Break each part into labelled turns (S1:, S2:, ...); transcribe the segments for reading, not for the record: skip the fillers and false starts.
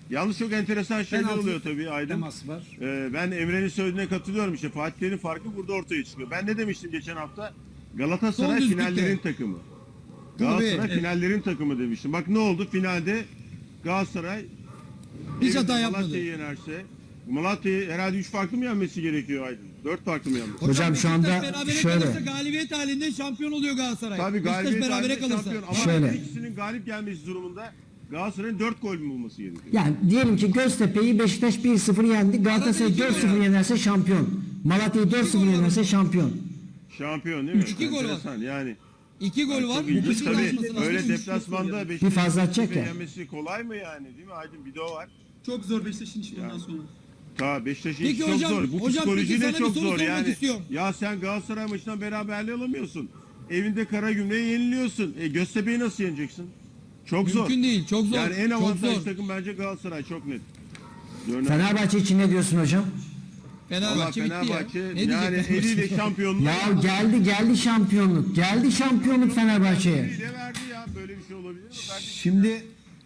S1: Yalnız çok enteresan şeyler
S2: Penaltı
S1: oluyor tabii Aydın.
S2: teması var.
S1: Ben Emre'nin söylediğine katılıyorum işte. Fatih Terim'in farkı burada ortaya çıkıyor. Ben ne demiştim geçen hafta? Galatasaray
S3: Son düzlükte.
S1: finallerin takımı.
S3: Tabii,
S1: Galatasaray
S3: evet.
S1: finallerin takımı demiştim. Bak ne oldu? Finalde Galatasaray
S3: Hiç
S1: evinde
S3: hata yapmadı.
S1: Malatya'yı yenerse, Malatya'yı herhalde 3 farklı mı yenmesi gerekiyor Aydın? 4 farklı mı yenmesi?
S4: Hocam şu anda
S3: Beşiktaş berabere
S4: şöyle.
S3: kalırsa galibiyet halinde şampiyon oluyor Galatasaray.
S1: Tabii
S3: Beşiktaş
S1: galibiyet
S3: berabere
S1: halinde
S3: kalırsa.
S1: şampiyon. Ama
S4: Şöyle.
S1: ikisinin galip gelmesi durumunda Galatasaray'ın 4 gol mü bulması gerekiyor?
S4: Yani diyelim ki Göztepe'yi Beşiktaş 1-0 yendi. Galatasaray
S3: Arada iki
S4: 4-0 yenerse şampiyon. Malatya'yı 4-0
S3: gol
S4: yenerse
S3: var.
S4: şampiyon.
S1: Şampiyon değil mi?
S3: 3-2 gol var.
S1: Enteresan yani.
S3: 2 gol var.
S1: Çok
S3: Bu
S1: ilginç
S3: kışın
S1: tabii.
S3: açması lazım.
S1: Öyle
S3: Üç-
S1: deplasmanda
S4: Bir fazla atacak ya.
S1: yenmesi kolay mı yani değil mi Aydın? Bir de o var.
S5: Çok zor Beşiktaş'ın işi bundan sonra.
S1: Ta Beşiktaş'ın
S3: Peki
S1: işi çok
S3: hocam,
S1: zor. Bu
S3: hocam
S1: psikoloji
S3: peki
S1: de
S3: sana bir
S1: çok
S3: soru
S1: zor
S3: sormak
S1: yani.
S3: istiyorum.
S1: Ya sen Galatasaray maçından beraberliği alamıyorsun. Evinde Karagümrük'e yeniliyorsun. Göztepe'yi nasıl yeneceksin? Çok zor.
S3: Mümkün değil. Çok zor.
S1: Yani en
S3: çok
S1: avantajlı
S3: zor.
S1: takım bence Galatasaray çok net. Örneğin.
S4: Fenerbahçe için ne diyorsun hocam?
S1: Valla
S3: Fenerbahçe bitti ya.
S1: Fenerbahçe
S3: Ne
S1: yani
S3: diyecek
S1: eliyle şampiyonluğu.
S4: Ya geldi şampiyonluk. Geldi şampiyonluk Fenerbahçe'ye.
S1: Eliyle verdi ya. Böyle bir şey olabilir mi? Kardeşim?
S2: Şimdi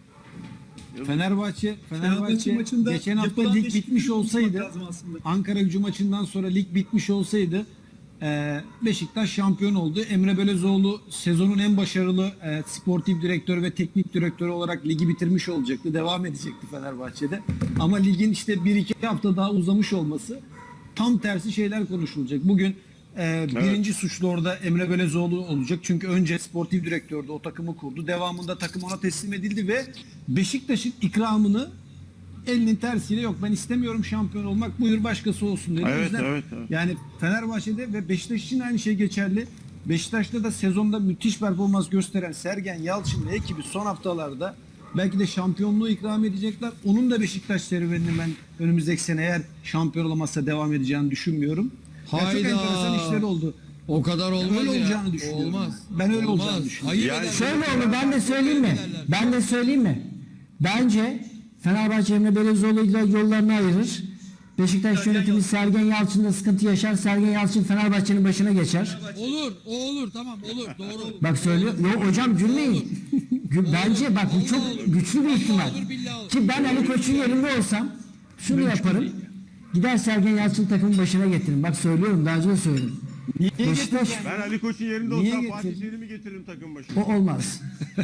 S2: Fenerbahçe
S5: maçında
S2: geçen hafta
S5: yapılan
S2: lig
S5: değişiklikleri
S2: bitmiş olsaydı,
S5: konuşmak lazım aslında.
S2: Ankara-Gücü maçından sonra lig bitmiş olsaydı Beşiktaş şampiyon oldu. Emre Belözoğlu sezonun en başarılı sportif direktör ve teknik direktörü olarak ligi bitirmiş olacaktı. Devam edecekti Fenerbahçe'de. Ama ligin işte 1-2 hafta daha uzamış olması, tam tersi şeyler konuşulacak. Bugün birinci suçlu orada Emre Belözoğlu olacak. Çünkü önce sportif direktördü, o takımı kurdu. Devamında takım ona teslim edildi ve Beşiktaş'ın ikramını elinin tersiyle, yok ben istemiyorum şampiyon olmak, buyur başkası olsun dedi. O
S1: Evet,
S2: yüzden
S1: evet.
S2: yani Fenerbahçe'de ve Beşiktaş için aynı şey geçerli. Beşiktaş'ta da sezonda müthiş performans gösteren Sergen Yalçın ve ekibi son haftalarda belki de şampiyonluğu ikram edecekler. Onun da Beşiktaş serüvenini ben önümüzdeki sene eğer şampiyon olamazsa devam edeceğini düşünmüyorum. Yani çok
S3: Hayda.
S2: enteresan işler oldu.
S3: O kadar olmaz
S2: Öyle
S3: ya.
S2: olacağını düşünüyorum.
S3: Olmaz.
S2: Ben öyle
S3: Olmaz.
S2: olacağını düşünüyorum.
S3: Hayır
S1: Yani
S3: ederler.
S4: Şöyle oldu, ben de söyleyeyim mi? Ben de söyleyeyim mi? Bence Fenerbahçe Emre Belözoğlu'yla yollarını ayırır. Beşiktaş yönetimi Sergen Yalçın'da sıkıntı yaşar. Sergen Yalçın Fenerbahçe'nin başına geçer.
S3: Olur. O olur. Tamam olur. Doğru.
S4: Bak söylüyor. Yok hocam gülmeyin. Bence bak bu çok güçlü bir ihtimal.
S3: Olur, billahi olur.
S4: Ki ben Ali Koç'un yerinde olsam şunu yaparım. Gider Sergen Yalçın takımın başına getiririm. Bak söylüyorum, daha önce de söyledim. Beşiktaş
S1: Ben Ali Koç'un yerinde
S2: Niye
S1: olsam Fatih
S2: getirdin?
S1: Terim'i getiririm takım başına.
S4: o olmaz.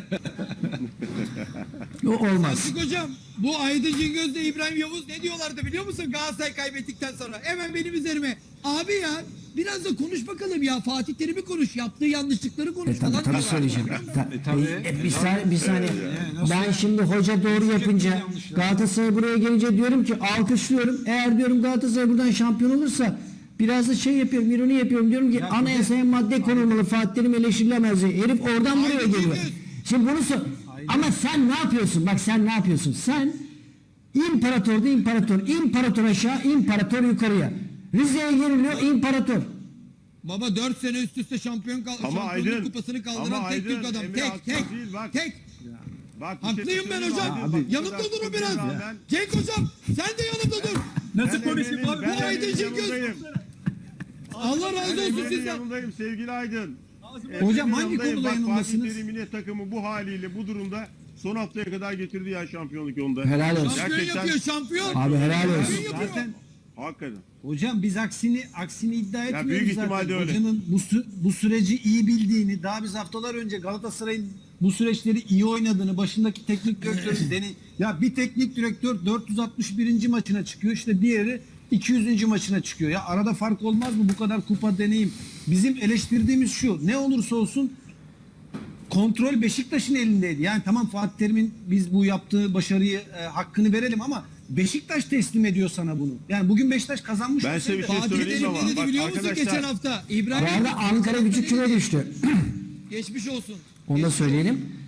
S4: O olmaz.
S3: Fatih hocam, bu Aydın Cingöz ile İbrahim Yavuz ne diyorlardı biliyor musun Galatasaray kaybettikten sonra? Hemen benim üzerime. Abi ya biraz da konuş bakalım ya. Fatih Terim'i konuş. Yaptığı yanlışlıkları konuş falan.
S4: Tabii söyleyeceğim.
S2: tabii.
S4: Bir saniye.
S2: nasıl
S4: Ben
S2: ya?
S4: şimdi hoca doğru yapınca
S2: yanlış ya.
S4: Galatasaray buraya gelince diyorum ki alkışlıyorum. Eğer diyorum Galatasaray buradan şampiyon olursa biraz da şey yapıyorum, ironi yapıyorum. Diyorum ki anayasaya madde konulmalı. Fatih Terim eleştirilemez diye. Herif oradan buraya
S3: Aydın
S4: geliyor.
S3: Cingöz.
S4: Şimdi bunu ama sen ne yapıyorsun? Bak sen ne yapıyorsun? Sen imparatorda imparator. İmparator aşağı, imparator yukarıya. Rize'ye geriliyor imparator.
S3: Baba 4 sene üst üste şampiyonluk
S1: Aydın,
S3: kupasını kaldıran
S1: ama
S3: tek Türk
S1: Aydın,
S3: adam.
S1: Emre haksız
S3: Tek.
S1: değil, bak.
S3: Tek.
S1: Bak, bir
S3: Haklıyım
S1: şey
S3: ben
S1: söyleyeyim
S3: hocam.
S1: Aydın. Bak, bu
S3: Yanımda
S1: kadar
S3: durun biraz.
S1: rağmen
S3: Cenk hocam sen de yanımda dur.
S5: Nasıl
S1: ben
S5: konuşayım
S1: Emre'nin-
S5: abi?
S1: ben
S3: Bu Aydın
S1: Emre'nin
S3: Cingöz.
S1: yanındayım.
S3: Allah razı
S1: Ben
S3: olsun
S1: Emre'nin
S3: sizden.
S1: yanındayım sevgili Aydın.
S2: Hocam hangi
S1: Yanındayım.
S2: konuda
S1: Bak,
S2: yanındasınız?
S1: Fatih Terim'in takımı bu haliyle bu durumda son haftaya kadar getirdi ya şampiyonluk yolunda.
S4: Helal olsun.
S3: Şampiyon
S1: Gerçekten-
S3: yapıyor şampiyon.
S4: Abi helal olsun.
S3: Şampiyon yapıyor.
S2: Zaten
S1: Hakikaten.
S2: hocam biz aksini iddia etmiyoruz
S1: büyük
S2: zaten.
S1: ihtimalle öyle.
S2: Hocanın bu süreci iyi bildiğini, daha biz haftalar önce Galatasaray'ın bu süreçleri iyi oynadığını, başındaki teknik direktörün ya bir teknik direktör 461. maçına çıkıyor, işte diğeri 200. maçına çıkıyor. Ya arada fark olmaz mı bu kadar kupa deneyim? Bizim eleştirdiğimiz şu: ne olursa olsun kontrol Beşiktaş'ın elindeydi. Yani tamam, Fatih Terim'in biz bu yaptığı başarıyı hakkını verelim ama Beşiktaş teslim ediyor sana bunu. Yani bugün Beşiktaş kazanmış.
S1: Ben size bir şey
S3: Fatih
S1: söyleyeyim
S3: Terim
S1: ama
S3: ne dedi
S1: bak
S3: biliyor musun
S1: arkadaşlar.
S3: geçen hafta?
S4: Bu
S3: İbrahim
S4: arada Ankara Gücü küme düştü.
S3: geçmiş olsun.
S4: Onu da söyleyelim.